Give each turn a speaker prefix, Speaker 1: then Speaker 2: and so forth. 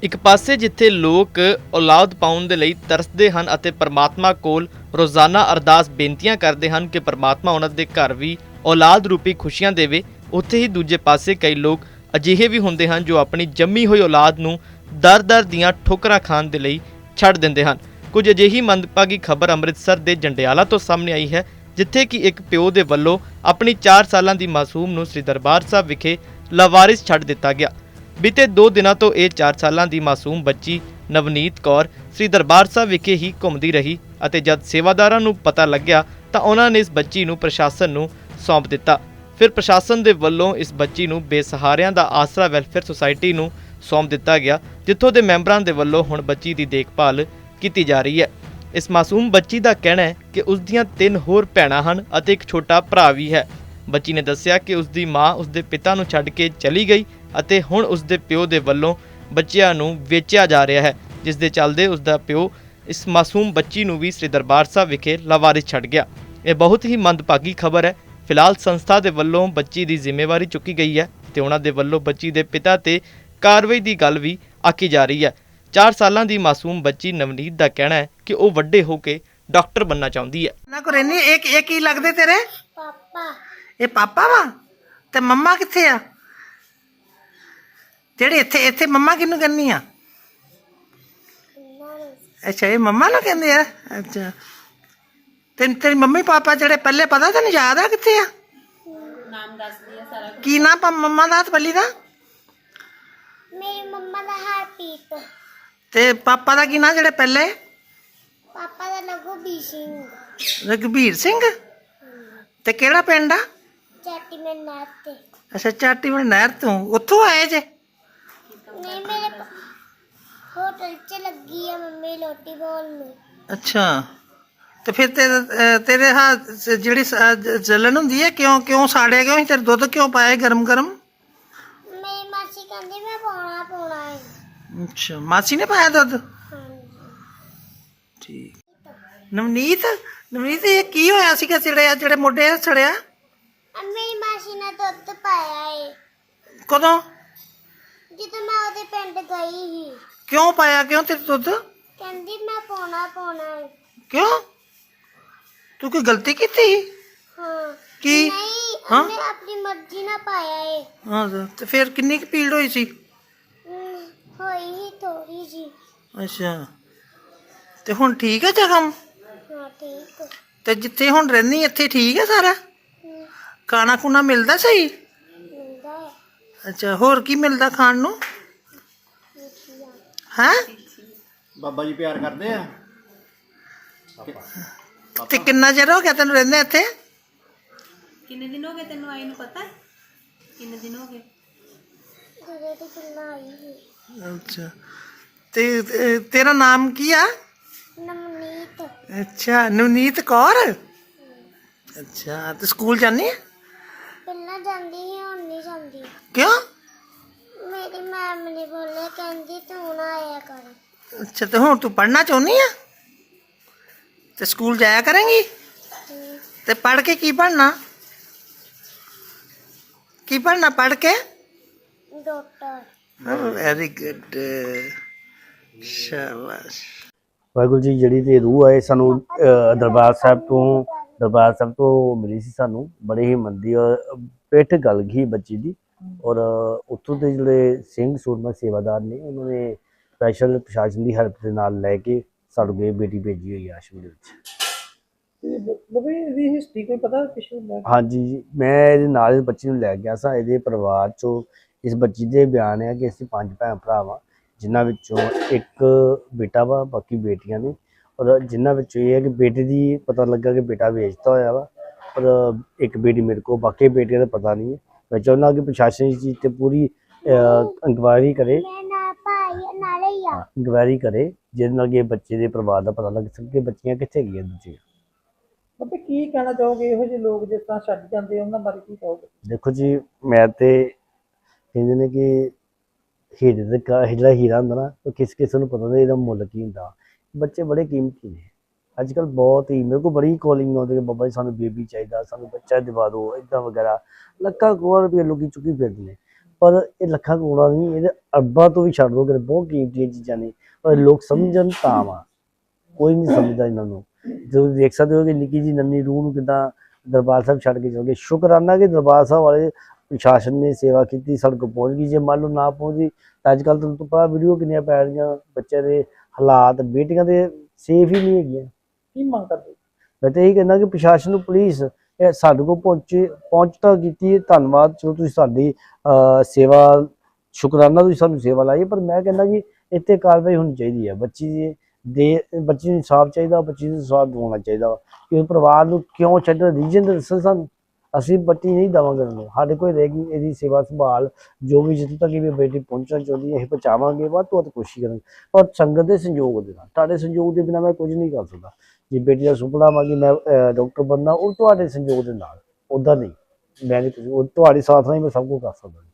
Speaker 1: ਇੱਕ ਪਾਸੇ ਜਿੱਥੇ ਲੋਕ ਔਲਾਦ ਪਾਉਣ ਦੇ ਲਈ ਤਰਸਦੇ ਹਨ ਅਤੇ ਪਰਮਾਤਮਾ ਕੋਲ ਰੋਜ਼ਾਨਾ ਅਰਦਾਸ ਬੇਨਤੀਆਂ ਕਰਦੇ ਹਨ ਕਿ ਪਰਮਾਤਮਾ ਉਹਨਾਂ ਦੇ ਘਰ ਵੀ ਔਲਾਦ ਰੂਪੀ ਖੁਸ਼ੀਆਂ ਦੇਵੇ, ਉੱਥੇ ਹੀ ਦੂਜੇ ਪਾਸੇ ਕਈ ਲੋਕ ਅਜਿਹੇ ਵੀ ਹੁੰਦੇ ਹਨ ਜੋ ਆਪਣੀ ਜੰਮੀ ਹੋਈ ਔਲਾਦ ਨੂੰ ਦਰ-ਦਰ ਦੀਆਂ ਠੋਕਰਾਂ ਖਾਣ ਦੇ ਲਈ ਛੱਡ ਦਿੰਦੇ ਹਨ। ਕੁਝ ਅਜਿਹੀ ਮੰਦਭਾਗੀ ਖਬਰ ਅੰਮ੍ਰਿਤਸਰ ਦੇ ਜੰਡਿਆਲਾ ਤੋਂ ਸਾਹਮਣੇ ਆਈ ਹੈ, ਜਿੱਥੇ ਕਿ ਇੱਕ ਪਿਓ ਦੇ ਵੱਲੋਂ ਆਪਣੀ 4 ਸਾਲਾਂ ਦੀ ਮਾਸੂਮ ਨੂੰ ਸ੍ਰੀ ਦਰਬਾਰ ਸਾਹਿਬ ਵਿਖੇ ਲਾਵਾਰਿਸ ਛੱਡ ਦਿੱਤਾ ਗਿਆ। ਬੀਤੇ 2 ਦਿਨਾਂ ਤੋਂ ਇਹ 4 ਸਾਲਾਂ ਦੀ ਮਾਸੂਮ ਬੱਚੀ ਨਵਨੀਤ ਕੌਰ ਸ੍ਰੀ ਦਰਬਾਰ ਸਾਹਿਬ ਵਿਖੇ ਹੀ ਘੁੰਮਦੀ ਰਹੀ ਅਤੇ ਜਦ ਸੇਵਾਦਾਰਾਂ ਨੂੰ ਪਤਾ ਲੱਗਿਆ ਤਾਂ ਉਹਨਾਂ ਨੇ ਇਸ ਬੱਚੀ ਨੂੰ ਪ੍ਰਸ਼ਾਸਨ ਨੂੰ ਸੌਂਪ ਦਿੱਤਾ। ਫਿਰ ਪ੍ਰਸ਼ਾਸਨ ਦੇ ਵੱਲੋਂ ਇਸ ਬੱਚੀ ਨੂੰ ਬੇਸਹਾਰਿਆਂ ਦਾ ਆਸਰਾ ਵੈਲਫੇਅਰ ਸੁਸਾਇਟੀ ਨੂੰ ਸੌਂਪ ਦਿੱਤਾ ਗਿਆ, ਜਿੱਥੋਂ ਦੇ ਮੈਂਬਰਾਂ ਦੇ ਵੱਲੋਂ ਹੁਣ ਬੱਚੀ ਦੀ ਦੇਖਭਾਲ ਕੀਤੀ ਜਾ ਰਹੀ ਹੈ। ਇਸ ਮਾਸੂਮ ਬੱਚੀ ਦਾ ਕਹਿਣਾ ਹੈ ਕਿ ਉਸ ਦੀਆਂ 3 ਹੋਰ ਭੈਣਾਂ ਹਨ ਅਤੇ ਇੱਕ ਛੋਟਾ ਭਰਾ ਵੀ ਹੈ। ਬੱਚੀ ਨੇ ਦੱਸਿਆ ਕਿ ਉਸ ਦੀ ਮਾਂ ਉਸ ਦੇ ਪਿਤਾ ਨੂੰ ਛੱਡ ਕੇ ਚਲੀ ਗਈ ਅਤੇ ਹੁਣ ਉਸ ਦੇ ਪਿਓ ਦੇ ਵੱਲੋਂ ਬੱਚਿਆਂ ਨੂੰ ਵੇਚਿਆ ਜਾ ਰਿਹਾ ਹੈ, ਜਿਸ ਦੇ ਚੱਲਦੇ ਉਸ ਦਾ ਪਿਓ ਇਸ ਮਾਸੂਮ ਬੱਚੀ ਨੂੰ ਵੀ ਸ੍ਰੀ ਦਰਬਾਰ ਸਾਹਿਬ ਵਿਖੇ ਲਾਵਾਰਿਸ ਛੱਡ ਗਿਆ। ਇਹ ਬਹੁਤ ਹੀ ਮੰਦਭਾਗੀ ਖਬਰ ਹੈ। ਫਿਲਹਾਲ ਸੰਸਥਾ ਦੇ ਵੱਲੋਂ ਬੱਚੀ ਦੀ ਜ਼ਿੰਮੇਵਾਰੀ ਚੁੱਕੀ ਗਈ ਹੈ ਤੇ ਉਹਨਾਂ ਦੇ ਵੱਲੋਂ ਬੱਚੀ ਦੇ ਪਿਤਾ ਤੇ ਕਾਰਵਾਈ ਦੀ ਗੱਲ ਵੀ ਆਖੀ ਜਾ ਰਹੀ ਹੈ। 4 ਸਾਲਾਂ ਦੀ ਮਾਸੂਮ ਬੱਚੀ ਨਵਨੀਤ ਦਾ ਕਹਿਣਾ ਹੈ ਕਿ ਉਹ ਵੱਡੇ ਹੋ ਕੇ ਡਾਕਟਰ ਬਣਨਾ ਚਾਹੁੰਦੀ ਹੈ।
Speaker 2: ਨਾ ਕੋ ਰਹਿਨੀ ਇਹ ਕੀ ਲੱਗਦੇ ਤੇਰੇ?
Speaker 3: ਪਾਪਾ।
Speaker 2: ਇਹ ਪਾਪਾ ਵਾ ਤੇ ਮੰਮਾ ਕਿੱਥੇ ਆ? ਜਿਹੜੇ ਇੱਥੇ ਮੰਮਾ ਕਿਹਨੂੰ ਕਹਿੰਨੀ ਆ? ਅੱਛਾ, ਇਹ ਮੰਮਾ ਨੂੰ ਕਹਿੰਦੇ ਆ। ਅੱਛਾ, ਤੇਰੀ ਮੰਮੀ ਪਾਪਾ ਜਿਹੜੇ ਪਹਿਲੇ ਪਤਾ ਤੈਨੂੰ ਯਾਦ ਆ ਕਿੱਥੇ ਆ?
Speaker 3: ਨਾਮ ਦੱਸ ਦਿਆ ਸਾਰਾ।
Speaker 2: ਕੀ ਨਾਮ ਮੰਮਾ ਦਾ ਤੇ ਪਹਿਲੀ ਦਾ?
Speaker 3: ਮੇਰੀ ਮੰਮਾ ਦਾ ਹਰਪ੍ਰੀਤ।
Speaker 2: ਤੇ ਪਾਪਾ ਦਾ ਕੀ ਨਾਂ ਜਿਹੜੇ ਪਹਿਲੇ?
Speaker 3: ਪਾਪਾ ਦਾ ਲਘੂਬੀਰ ਸਿੰਘ।
Speaker 2: ਰਘਬੀਰ ਸਿੰਘ। ਤੇ ਕਿਹੜਾ ਪਿੰਡ ਆ?
Speaker 3: ਚਾਟੀ ਮੈਂ ਨਾਤੇ।
Speaker 2: ਅੱਛਾ, ਚਾਟੀਵਿੰਡ ਨਹਿਰ ਤੋਂ ਉੱਥੋਂ ਆਏ ਜੇ?
Speaker 3: ਨਹੀਂ, ਮੇਰੇ ਹੋਟਲ 'ਚ ਲੱਗੀ ਆ ਮੰਮੀ ਰੋਟੀ ਬਣਾਉਣ ਨੂੰ।
Speaker 2: ਅੱਛਾ, ਤੇ ਫਿਰ ਤੇਰੇ ਹਾਂ ਜਿਹੜੀ ਜਲਨ ਹੁੰਦੀ ਹੈ ਕਿਉਂ ਸਾੜਿਆ ਕਿਉਂ ਸੀ? ਤੇਰੇ ਦੁੱਧ ਕਿਉਂ ਪਾਇਆ ਗਰਮ ਗਰਮ?
Speaker 3: ਮੇਰੀ ਮਾਸੀ ਕਹਿੰਦੀ ਮੈਂ ਪਾਉਣਾ ਹੈ।
Speaker 2: ਅੱਛਾ, ਮਾਸੀ ਨੇ ਪਾਇਆ ਦੁੱਧ?
Speaker 3: ਹਾਂਜੀ।
Speaker 2: ਠੀਕ। ਨਵਨੀਤ ਇਹ ਕੀ ਹੋਇਆ ਸੀਗਾ ਜਿਹੜੇ ਮੋਢੇ ਸੜਿਆ?
Speaker 3: ਮੇਰੀ ਮਾਸੀ ਨੇ ਦੁੱਧ ਪਾਇਆ ਏ
Speaker 2: ਕਦੋਂ?
Speaker 3: ਜਦੋਂ ਮੈਂ ਉਹਦੇ ਪਿੰਡ ਗਈ ਸੀ।
Speaker 2: ਕਿਉਂ ਪਾਇਆ ਕਿਉਂ ਤੇਰੇ ਦੁੱਧ?
Speaker 3: ਕਹਿੰਦੀ ਮੈਂ ਪਾਉਣਾ ਹੈ।
Speaker 2: ਕਿਉਂ? ਤੂੰ ਕੋਈ ਗਲਤੀ ਕੀਤੀ ਸੀ?
Speaker 3: ਹਾਂ।
Speaker 2: ਕੀ?
Speaker 3: ਨਹੀਂ,
Speaker 2: ਹਾਂ?
Speaker 3: ਉਹਨੇ ਆਪਣੀ ਮਰਜ਼ੀ ਨਾਲ ਪਾਇਆ ਏ।
Speaker 2: ਹਾਂ, ਤੇ ਫਿਰ ਕਿੰਨੀ ਕੁ ਪੀੜ ਹੋਈ ਸੀ?
Speaker 3: ਹੋਈ ਹੀ ਥੋੜੀ ਜੀ।
Speaker 2: ਅੱਛਾ, ਤੇ ਹੁਣ ਠੀਕ ਹੈ ਜ਼ਖਮ?
Speaker 3: ਹਾਂ, ਠੀਕ।
Speaker 2: ਤੇ ਜਿੱਥੇ ਹੁਣ ਰਹਿੰਦੀ ਇੱਥੇ ਠੀਕ ਹੈ ਸਾਰਾ? ਖਾਣਾ ਖੁਣਾ ਮਿਲਦਾ ਸਹੀ?
Speaker 3: ਮਿਲਦਾ ਹੈ।
Speaker 2: ਅੱਛਾ, ਹੋਰ ਕੀ ਮਿਲਦਾ ਖਾਣ ਨੂੰ? ਹੈ?
Speaker 4: ਬਾਬਾ ਜੀ ਪਿਆਰ ਕਰਦੇ ਆ।
Speaker 2: ਤੇ ਕਿੰਨਾ ਚਿਰ ਹੋ ਗਿਆ ਤੈਨੂੰ ਰਹਿੰਦੇ ਇੱਥੇ?
Speaker 5: ਕਿੰਨੇ ਦਿਨ ਹੋ ਗਏ ਤੈਨੂੰ ਆਈ ਨੂੰ ਪਤਾ? ਕਿੰਨੇ ਦਿਨ ਹੋ ਗਏ?
Speaker 3: ਜਦੋਂ ਦੀ ਕਿੰਨਾ ਆਈ ਸੀ।
Speaker 2: ਅੱਛਾ, ਤੇ ਤੇਰਾ ਨਾਮ ਕੀ ਆ?
Speaker 3: ਨਵਨੀਤ।
Speaker 2: ਅੱਛਾ, ਨਵਨੀਤ ਕੌਰ। ਅੱਛਾ, ਤੇ ਸਕੂਲ ਜਾਂਦੀ ਹੈ?
Speaker 3: ਪਹਿਲਾਂ ਜਾਂਦੀ ਸੀ, ਹੁਣ ਨਹੀਂ ਜਾਂਦੀ।
Speaker 2: ਕਿਉਂ?
Speaker 3: ਮੇਰੀ ਮੈਮ ਨੇ ਬੋਲਿਆ, ਕਹਿੰਦੀ ਤੂੰ ਨਾ ਆਇਆ ਕਰ।
Speaker 2: ਅੱਛਾ, ਤੇ ਹੁਣ ਤੂੰ ਪੜ੍ਹਨਾ ਚਾਹੁੰਦੀ ਆ? ਤੇ ਸਕੂਲ ਜਾਇਆ ਕਰੇਂਗੀ? ਤੇ ਪੜ੍ਹ ਕੇ ਕੀ ਬਣਨਾ? ਪੜ੍ਹ ਕੇ?
Speaker 3: ਡਾਕਟਰ।
Speaker 2: ਵੈਰੀ ਗੁੱਡ, ਸ਼ਾਬਾਸ਼।
Speaker 6: ਵਾਹਿਗੁਰੂ ਜੀ, ਜਿਹੜੀ ਤੇ ਰੂਹ ਆਏ ਸਾਨੂੰ ਦਰਬਾਰ ਸਾਹਿਬ ਤੋਂ ਮਿਲੀ ਸੀ। ਸਾਨੂੰ ਬੜੇ ਹੀ ਮੰਦੀ ਔਰ ਪਿੱਠ ਗਲ ਗਈ ਬੱਚੀ ਦੀ, ਔਰ ਉੱਥੋਂ ਦੇ ਜਿਹੜੇ ਸਿੰਘ ਸੂਰਮਾ ਸੇਵਾਦਾਰ ਨੇ ਉਹਨਾਂ ਨੇ ਸਪੈਸ਼ਲ ਪ੍ਰਸ਼ਾਸਨ ਦੀ ਹੈਲਪ ਦੇ ਨਾਲ ਲੈ ਕੇ ਸਾਨੂੰ ਗਏ ਬੇਟੀ ਭੇਜੀ ਹੋਈ ਆਸ਼ਰਮ ਦੇ ਵਿੱਚ।
Speaker 2: ਇਹਦੀ ਹਿਸਟਰੀ ਕੋਈ ਪਤਾ ਪਿਛੋਂ?
Speaker 6: ਹਾਂਜੀ ਜੀ, ਮੈਂ ਇਹਦੇ ਨਾਲ ਇਸ ਬੱਚੀ ਨੂੰ ਲੈ ਗਿਆ ਸਾਂ। ਇਹਦੇ ਪਰਿਵਾਰ 'ਚੋਂ ਇਸ ਬੱਚੀ ਦੇ ਬਿਆਨ ਹੈ ਕਿ ਅਸੀਂ 5 ਭੈਣ ਭਰਾ ਵਾਂ, ਜਿਨ੍ਹਾਂ ਵਿੱਚੋਂ ਇੱਕ ਬੇਟਾ ਵਾ, ਬਾਕੀ ਬੇਟੀਆਂ ਨੇ। ਔਰ ਜਿਨ੍ਹਾਂ ਵਿੱਚੋਂ ਇਹ ਹੈ ਕਿ ਬੇਟੇ ਦੀ ਪਤਾ ਲੱਗਾ ਕਿ ਬੇਟਾ ਵੇਚਤਾ ਹੋਇਆ ਵਾ, ਪਰ ਇੱਕ ਬੇਟੀ ਮੇਰੇ ਕੋਲ, ਬਾਕੀ ਬੇਟੀਆਂ ਦਾ ਪਤਾ ਨਹੀਂ ਹੈ। ਮੈਂ ਚਾਹੁੰਦਾ ਕਿ ਪ੍ਰਸ਼ਾਸਨ ਇਸ ਚੀਜ਼ 'ਤੇ ਪੂਰੀ ਇਨਕੁਆਇਰੀ ਕਰੇ, ਇਨਕੁਆਇਰੀ ਕਰੇ, ਜਿਹਦੇ ਨਾਲ ਕਿ ਬੱਚੇ ਦੇ ਪਰਿਵਾਰ ਦਾ ਪਤਾ ਲੱਗ ਸਕੇ ਬੱਚੀਆਂ ਕਿੱਥੇ ਗਈਆਂ ਦੂਜੀਆਂ।
Speaker 2: ਬਾਬੇ ਕੀ ਕਹਿਣਾ ਚਾਹੋਗੇ ਇਹੋ ਜਿਹੇ ਲੋਕ ਜਿਸ ਤਰ੍ਹਾਂ ਛੱਡ ਜਾਂਦੇ ਉਹਨਾਂ ਬਾਰੇ ਕੀ ਕਹੋਗੇ?
Speaker 6: ਦੇਖੋ ਜੀ, ਮੈਂ ਤੇ ਕਹਿੰਦੇ ਨੇ ਕਿ ਜਿਹੜਾ ਹੀਰਾ ਹੁੰਦਾ ਨਾ, ਉਹ ਕਿਸੇ ਨੂੰ ਪਤਾ ਨਹੀਂ ਇਹਦਾ ਮੁੱਲ ਕੀ ਹੁੰਦਾ। ਬੱਚੇ ਬੜੇ ਕੀਮਤੀ ਨੇ ਅੱਜ ਕੱਲ੍ਹ, ਬਹੁਤ ਹੀ। ਮੇਰੇ ਕੋਲ ਬੜੀ ਕਾਲਿੰਗ ਆਉਂਦੀ ਕਿ ਬਾਬਾ ਜੀ ਸਾਨੂੰ ਬੇਬੀ ਚਾਹੀਦਾ, ਸਾਨੂੰ ਬੱਚਾ ਦਿਵਾ ਦਿਓ, ਇੱਦਾਂ ਵਗੈਰਾ। ਲੱਖਾਂ ਕਰੋੜ ਰੁਪਏ ਲੋਕੀ ਚੁੱਕੀ ਫਿਰਦੇ ਨੇ, ਪਰ ਇਹ ਲੱਖਾਂ ਕਰੋੜਾਂ ਨਹੀਂ, ਇਹਦੇ ਅਰਬਾਂ ਤੋਂ ਵੀ ਛੱਡ ਦੋ ਕਿ ਬਹੁਤ ਕੀਮਤੀ ਚੀਜ਼ਾਂ ਨੇ, ਪਰ ਲੋਕ ਸਮਝਣ ਤਾਂ ਵਾ, ਕੋਈ ਨਹੀਂ ਸਮਝਦਾ ਇਹਨਾਂ ਨੂੰ। ਤੁਸੀਂ ਦੇਖ ਸਕਦੇ ਹੋ ਕਿ ਨਿੱਕੀ ਜੀ ਨੰਨੀ ਰੂਹ ਨੂੰ ਕਿੱਦਾਂ ਦਰਬਾਰ ਸਾਹਿਬ ਛੱਡ ਕੇ ਚਲ ਗਏ। ਸ਼ੁਕਰਾਨਾ ਕਿ ਦਰਬਾਰ ਸਾਹਿਬ ਵਾਲੇ ਪ੍ਰਸ਼ਾਸਨ ਨੇ ਸੇਵਾ ਕੀਤੀ, ਸਾਡੇ ਕੋਲ ਪਹੁੰਚ ਗਈ। ਜੇ ਮੰਨ ਲਓ ਨਾ ਪਹੁੰਚਦੀ ਤਾਂ ਅੱਜ ਕੱਲ੍ਹ ਤੁਹਾਨੂੰ ਪਤਾ ਵੀਡੀਓ ਕਿੰਨੀਆਂ ਪੈ ਰਹੀਆਂ, ਬੱਚਿਆਂ ਦੇ ਹਾਲਾਤ, ਬੇਟੀਆਂ ਦੇ ਸੇਫ ਹੀ ਨਹੀਂ ਹੈਗੀਆਂ। ਕੀ ਮੰਗ ਕਰਦੇ? ਮੈਂ ਤਾਂ ਇਹੀ ਕਹਿੰਦਾ ਕਿ ਪ੍ਰਸ਼ਾਸਨ ਨੂੰ, ਪੁਲਿਸ ਇਹ ਸਾਡੇ ਕੋਲ ਪਹੁੰਚ ਤਾਂ ਕੀਤੀ ਹੈ, ਧੰਨਵਾਦ। ਚਲੋ ਤੁਸੀਂ ਸਾਡੀ ਸੇਵਾ, ਸ਼ੁਕਰਾਨਾ ਤੁਸੀਂ ਸਾਨੂੰ ਸੇਵਾ ਲਾਈ, ਪਰ ਮੈਂ ਕਹਿੰਦਾ ਕਿ ਇੱਥੇ ਕਾਰਵਾਈ ਹੋਣੀ ਚਾਹੀਦੀ ਹੈ। ਬੱਚੀ ਨੂੰ ਇਨਸਾਫ ਚਾਹੀਦਾ, ਬੱਚੀ ਨੂੰ ਇਨਸਾਫ ਦਿਵਾਉਣਾ ਚਾਹੀਦਾ ਵਾ ਕਿ ਉਹ ਪਰਿਵਾਰ ਨੂੰ ਕਿਉਂ ਛੱਡਣ, ਰੀਜਨ ਦੱਸੋ ਸਾਨੂੰ। ਅਸੀਂ ਬੱਚੀ ਨਹੀਂ ਦੇਵਾਂਗੇ ਉਹਨੂੰ, ਸਾਡੇ ਕੋਲ ਰਹੇਗੀ ਇਹਦੀ ਸੇਵਾ ਸੰਭਾਲ, ਜੋ ਵੀ ਜਿੱਥੋਂ ਤੱਕ ਵੀ ਬੇਟੀ ਪਹੁੰਚਣਾ ਚਾਹੁੰਦੀ ਹੈ ਅਸੀਂ ਪਹੁੰਚਾਵਾਂਗੇ, ਵੱਧ ਤੋਂ ਵੱਧ ਕੋਸ਼ਿਸ਼ ਕਰਾਂਗੇ, ਪਰ ਸੰਗਤ ਦੇ ਸੰਯੋਗ ਦੇ ਨਾਲ। ਤੁਹਾਡੇ ਸੰਯੋਗ ਦੇ ਬਿਨਾਂ ਮੈਂ ਕੁਝ ਨਹੀਂ ਕਰ ਸਕਦਾ। ਜੇ ਬੇਟੀ ਦਾ ਸੁਪਨਾ ਵਾ ਕਿ ਮੈਂ ਡਾਕਟਰ ਬਣਨਾ, ਉਹ ਤੁਹਾਡੇ ਸੰਯੋਗ ਦੇ ਨਾਲ, ਉੱਦਾਂ ਨਹੀਂ। ਮੈਂ ਨਹੀਂ, ਉਹ ਤੁਹਾਡੇ ਸਾਥ ਨਾਲ ਹੀ ਮੈਂ ਸਭ ਕੁਝ ਕਰ ਸਕਦਾ।